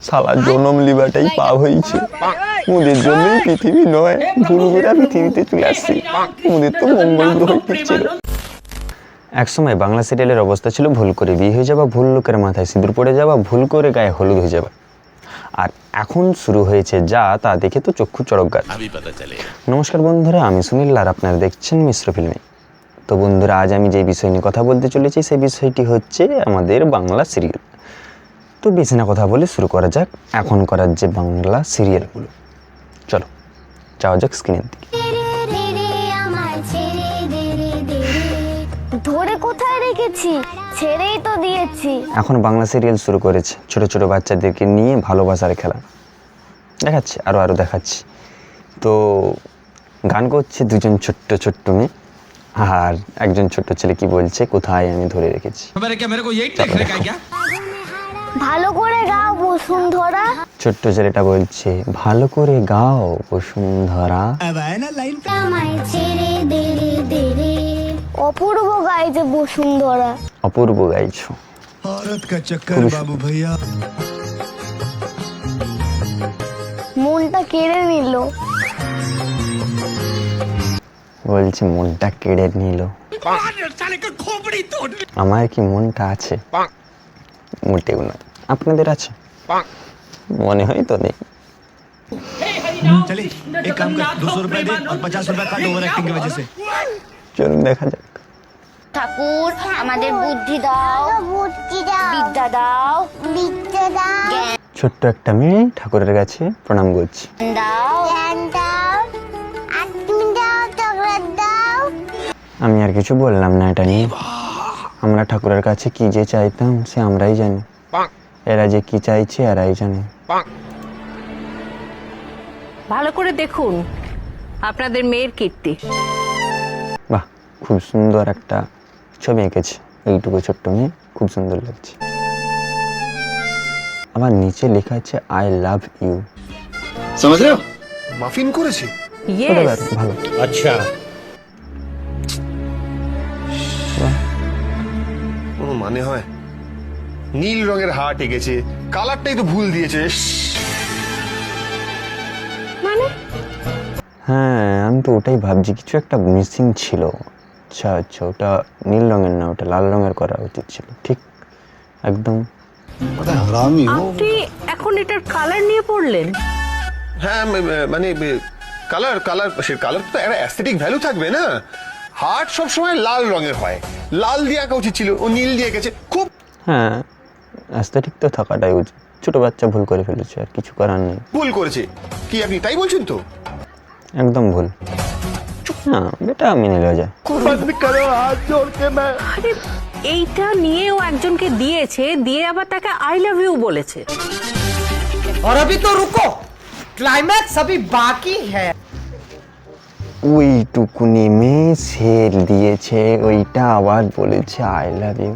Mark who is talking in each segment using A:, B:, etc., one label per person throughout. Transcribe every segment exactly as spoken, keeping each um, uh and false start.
A: শালা জনম লিবাটাই পাপ হয়েছে। ওদের জন্যই পৃথিবী নয়, ভুল করে পৃথিবীতে চলে আসছি। ওদের তো মঙ্গল গ্রহ ঠিক ছিল। একসময় বাংলা সিরিয়ালের অবস্থা ছিল ভুল করে বিয়ে হয়ে যাওয়া, ভুল লোকের মাথায় সিঁদুর পড়ে যাওয়া, ভুল করে গায়ে হলুদ হয়ে যাওয়া। আর এখন শুরু হয়েছে যা তা দেখে তো চক্ষু চড়ক গাছ। নমস্কার বন্ধুরা, আমি সুনীল আর আপনারা দেখছেন মিশ্র ফিল্মি। তো বন্ধুরা, আজ আমি যে বিষয় নিয়ে কথা বলতে চলেছি সেই বিষয়টি হচ্ছে আমাদের বাংলা সিরিয়াল। তো বেশি না কথা বলে শুরু করা যাক এখন করার যে বাংলা সিরিয়ালগুলো। চলো যাওয়া যাক স্ক্রিনের দিকে।
B: ধরে কোথায় রেখেছি, ছেড়েই তো দিয়েছি।
A: এখন বাংলা সিরিয়াল শুরু করেছে ছোট ছোট বাচ্চাদেরকে নিয়ে ভালোবাসার খেলা দেখাচ্ছে, আরো আরো দেখাচ্ছি। তো গান করছে দুজন ছোট্ট ছোট্ট মেয়ে, আর একজন ছোট্ট ছেলে কি বলছে, কোথায় আমি ধরে রেখেছি।
B: ভালো করে গাও বসুন্ধরা।
A: ছোট্ট ছেলেটা বলছে, ভালো করে গাও বসুন্ধরা।
B: অপূর্ব গাইছে বসুন্ধরা।
A: অপূর্ব গাইছো।
C: বাবু ভাইয়া
B: মনটা কেড়ে নিল।
A: বলছে মনটা কেড়ে নিল। আমার কি মনটা আছে? মোটেও না। আপনাদের আছে? মনে হয় তো নেই।
C: चले एक काम कर दो सौ रुपए दे और पचास रुपए काट ओवर एक्टिंग की वजह से।
A: চলুন দেখা যাক।
B: ঠাকুর আমাদের বুদ্ধি দাও, বুদ্ধি দাও, বিদ্যা দাও, বিদ্যা দাও,
A: ছোট্ট একটা মেয়ে ঠাকুরের কাছে প্রণাম করছে।
B: জ্ঞান দাও, জ্ঞান দাও, আত্মি দাও, চকলেট দাও।
A: আমি আর কিছু বললাম না এটা নিয়ে। আমরা ঠাকুরের কাছে কি যে চাইতাম সে আমরাই জানি, এরা যে কি চাইছে এরাই জানে।
D: ভালো করে দেখুন আপনাদের মেয়ের কীর্তি।
A: বাহ, খুব সুন্দর একটা ছবি এঁকেছে। এইটুকু ছোট্ট মেয়ে, খুব সুন্দর লাগছে। আবার নিচে লেখা আছে আই লাভ ইউ।
E: समझ रहे हो? মাফিন করেছে।
D: ইয়েস,
A: ভালো।
E: আচ্ছা, কোনো মানে হয়? নীল রঙের হার্ট এঁকেছে, কালারটাই তো ভুল দিয়েছে।
D: মানে
A: হ্যাঁ, আমি তো ওটাই ভাবছি, কিছু একটা মিসিং ছিল। আচ্ছা আচ্ছা, ওটা নীল রঙের না, ওটা লাল রঙের করা উচিত ছিল। ঠিক একদম।
D: আপনি এখন এটার কালার নিয়ে পড়লেন?
E: হ্যাঁ মানে কালার কালার সে কালার তো একটা অ্যাস্থেটিক ভ্যালু থাকবে না। হার্ট সবসময় লাল রঙের হয়, লাল দিয়ে আঁকা উচিত ছিল, ও নীল দিয়ে এঁকেছে। খুব
A: হ্যাঁ, অ্যাস্থেটিক তো থাকাটাই উচিত। ছোট বাচ্চা ভুল করে ফেলেছে, আর কিছু করার নেই।
E: ভুল করেছে কি আপনি তাই বলছেন তো?
A: একদম ভুল। না, এটা মেনে নেওয়া যায়।
D: আরে এইটা নিয়েও একজনকে দিয়েছে, দিয়ে আবার তাকে আই লাভ ইউ বলেছে।
F: और अभी तो रुको, क्लाइमैक्स अभी बाकी है।
A: ওইটুকু নেমে সেল দিয়েছে, ওইটা আবার বলেছে আই লাভ ইউ।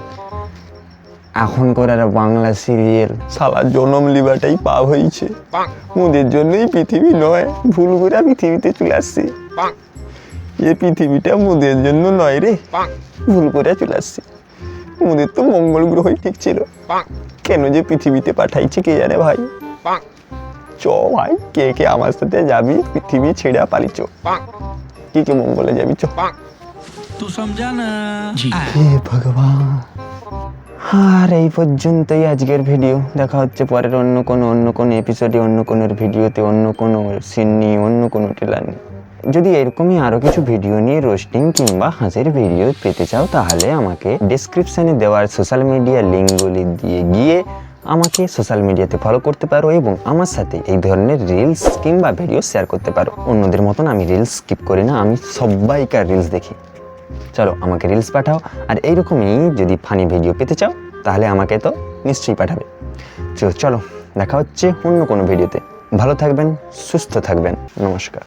A: এখন করার বাংলা সিরিয়াল শালা জনম লিবাটাই পাপ হয়েছে। ওদের জন্যই পৃথিবী নয়, ভুল করে পৃথিবীতে চলে আসছি। এই পৃথিবীটা মোদের জন্য নয় রে, ভুল করে চলে আসছি। মোদের তো মঙ্গল গ্রহই ঠিক ছিল, কেন যে পৃথিবীতে পাঠাইছে কে জানে ভাই। চ ভাই, কে কে আমার সাথে যাবি পৃথিবী ছেড়ে পালি। চ কি কে মঙ্গলে যাবি, চ।
F: तू समझा ना?
A: হে ভগবান। আর এই পর্যন্তই আজকের ভিডিও। দেখা হচ্ছে পরের অন্য কোনো অন্য কোনো এপিসোডে, অন্য কোনো ভিডিওতে, অন্য কোনো সিন নিয়ে, অন্য কোনো ট্রেলার নিয়ে। যদি এরকমই আরও কিছু ভিডিও নিয়ে রোস্টিং কিংবা হাসির ভিডিও পেতে চাও, তাহলে আমাকে ডেসক্রিপশানে দেওয়ার সোশ্যাল মিডিয়া লিঙ্কগুলি দিয়ে গিয়ে আমাকে সোশ্যাল মিডিয়াতে ফলো করতে পারো এবং আমার সাথে এই ধরনের রিলস কিংবা ভিডিও শেয়ার করতে পারো। অন্যদের মতন আমি রিলস স্কিপ করি না, আমি সবাইকার রিলস দেখি। চলো আমাকে রিলস পাঠাও, আর এইরকমই যদি ফানি ভিডিও পেতে চাও তাহলে আমাকে তো নিশ্চয়ই পাঠাবে। চলো দেখা হচ্ছে অন্য কোনো ভিডিওতে। ভালো থাকবেন, সুস্থ থাকবেন, নমস্কার।